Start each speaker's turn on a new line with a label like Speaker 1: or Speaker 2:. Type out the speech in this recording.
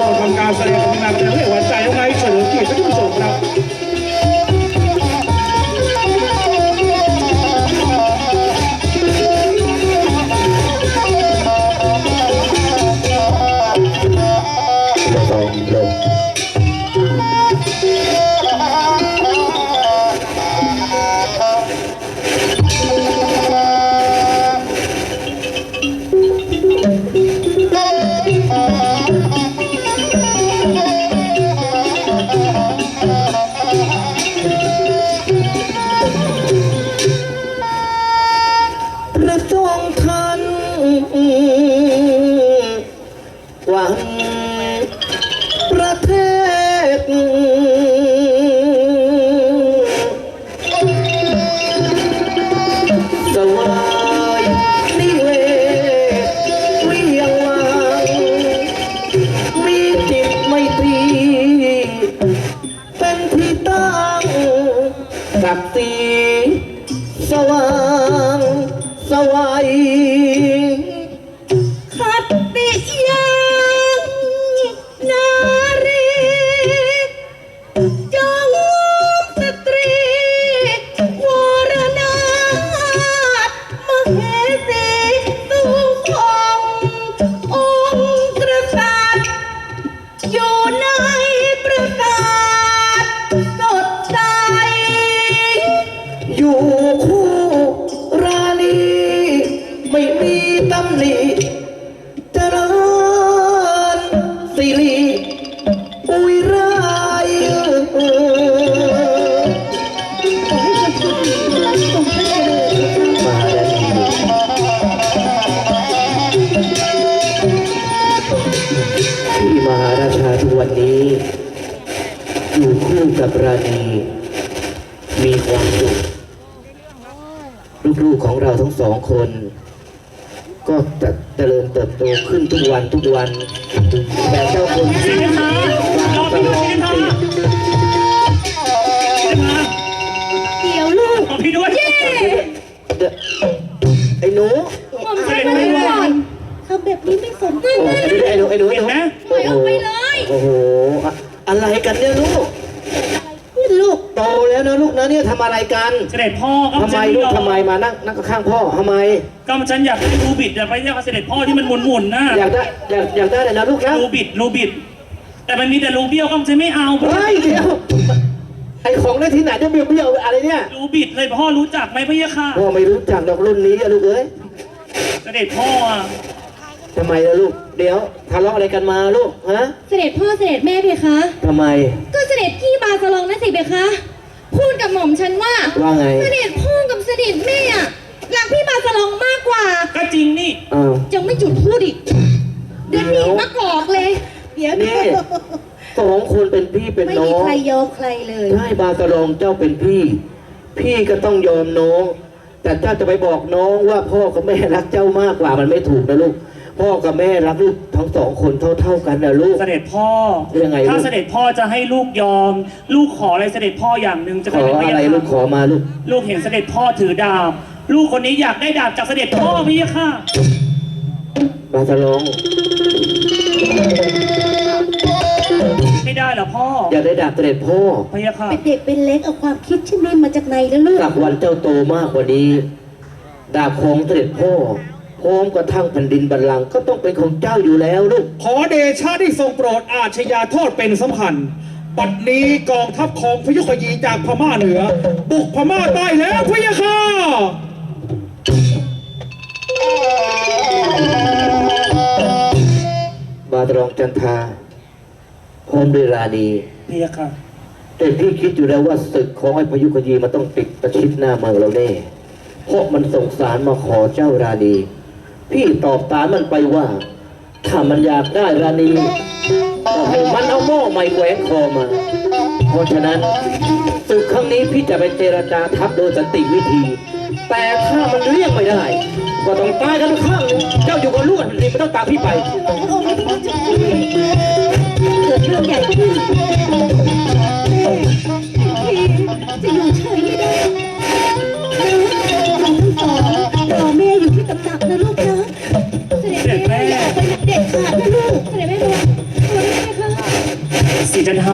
Speaker 1: ทำการแสดงของนางเป็นเรื่องหวานใจยังไงเฉลิมเกียรติท่านผู้ชมครับ
Speaker 2: หวังประเทศสวายนิเวศเวียงวังมีจิตไมตรีเป็นที่ตั้งศักดิ์ศรีสว่างสวัยขัดติยังนารีจงสตรีวรนาถมเหสีสูงขององค์กษัตริย์อยู่ในปราสาทสดใสอยู่คู่ราณีไม่มีตำหนิเจริญสิริอุยไรที่มหาราชาทุกวันนี้อยู่คู่กับราณีมีความสุขลูกๆของเราทั้งสองคนก็จะเจริญเติบโตขึ้นทุกวันแต่เจ้าคนที่วางตลอดเดี๋ยวลูก
Speaker 1: ขอพี่ด้วย
Speaker 2: ไอ้หนู
Speaker 3: ผมใช้มาเลยก่อนทำแบบนี้ไม่สมควร
Speaker 2: ไอ้หนูโอ้โหอะไรกันเนี่ยลูกโตแล้วนะลูกนะเนี่ยทำอะไรกัน
Speaker 1: เสด็จพ่อก็
Speaker 2: ทำไมลูกทำไมมานั่งข้างพ่อทำไม
Speaker 1: ก็ฉันอยากได้รูบิดไปเรียกเสด็จพ่อที่มันหมุนๆนะ
Speaker 2: อยากได้เลยนะลูกนะ
Speaker 1: รูบิดแต่มันมีแต่รูเบี้ยวก็ฉันไม่เอา
Speaker 2: เฮ้ยเดี๋ยวไอของได้ที่ไหนจะเบี้ยวอะไรเนี่ย
Speaker 1: รูบิดเลยพ่อรู้จักไหมพี่ยะค่ะ
Speaker 2: พ่อไม่รู้จักดอกรุ่นนี้ลูกเอ้ย
Speaker 1: เสด็จพ่อ
Speaker 2: ทำไมล่ะลูกเดี๋ยวทะเลาะอะไรกันมาลูกฮะ
Speaker 3: เสด็จพ่อเสด็จแม่เพคะ
Speaker 2: ทำไม
Speaker 3: ก็เสด็จพี่บาสลองนั่นสิเพคะพูดกับหม่อมฉันว่า
Speaker 2: ไง
Speaker 3: เสด็จพ่อกับเสด็จแม่รักพี่บาสลองมากกว่า
Speaker 1: ก็จริงนี่
Speaker 3: ยังไม่จุดพูดอีกเดี๋ยวนี้มากอกเลยเดี๋ยว
Speaker 2: นี่สองคนเป็นพี่เป็นน้อง
Speaker 3: ไม่มีใครยอมใครเลย
Speaker 2: ใช่บาสลองเจ้าเป็นพี่ก็ต้องยอมน้องแต่เจ้าจะไปบอกน้องว่าพ่อกับแม่รักเจ้ามากกว่ามันไม่ถูกนะลูกพ่อกับแม่รักลูกทั้งสองคนเท่ากันนะลูก
Speaker 1: เสด็จพ่อ
Speaker 2: ยังไง
Speaker 1: ถ้าเสด็จพ่อจะให้ลูกยอมลูกขออะไรเสด็จพ่ออย่างหนึ่งจะ
Speaker 2: ขออะไรลูกขอมา
Speaker 1: ลูกเห็นเสด็จพ่อถือดาบลูกคนนี้อยากได้ดาบจากเสด็จพ่อพี่ค่ะ
Speaker 2: บาสลอง
Speaker 1: ไม่ได้หรอพ่อ
Speaker 2: อยากได้ดาบเสด็จพ่อ
Speaker 1: พี่ค่ะ
Speaker 3: เป็นเด็กเป็นเล็กเอาความคิดเช่นนี้มาจากไหนแล้วลูก
Speaker 2: สักวันเจ้าโตมากกว่านี้ดาบของเสด็จพ่อพร้อมกระทั่งแผ่นดินบัลลังก์ก็ต้องเป็นของเจ้าอยู่แล้วลูก
Speaker 1: ขอเดชะได้ทรงโปรดอาชญาโทษเป็นสำคัญบัดนี้กองทัพของพยุคยีจากพม่าเหนือบุกพม่าใต้แล้วพะยะค่ะ
Speaker 2: บาสลองจันทาพร้อมด้วยราณี
Speaker 1: พะยะค่ะ
Speaker 2: แต่พี่คิดอยู่แล้วว่าศึกของไอ้พยุคยีมันต้องติดประชิดหน้าเมืองเราแน่เพราะมันส่งสารมาขอเจ้าราณีพี่ตอบตามมันไปว่าถ้ามันอยากได้ราณีก็ให้มันเอาหม้อใหม่แหวนคอมาเพราะฉะนั้นศึกครั้งนี้พี่จะไปเจรจาทัพโดยสันติวิธีแต่ถ้ามันเลี่ยงไม่ได้ก็ต้องตายกันข้างเจ้าอยู่กับลูกนี่ไม่ต้องตามพี่ไป
Speaker 3: เกิดเรื่องใหญ่ขึ้นจะอยู่เฉยไม่ได้รอแม่อยู่ที่ตำหนักนะลูกนะเสด็จแม่อย่าไปเด็ดขาดนะลูกเสด็จแม่บอกตัวนี้ไหมคะ
Speaker 4: สิทธิ์นะ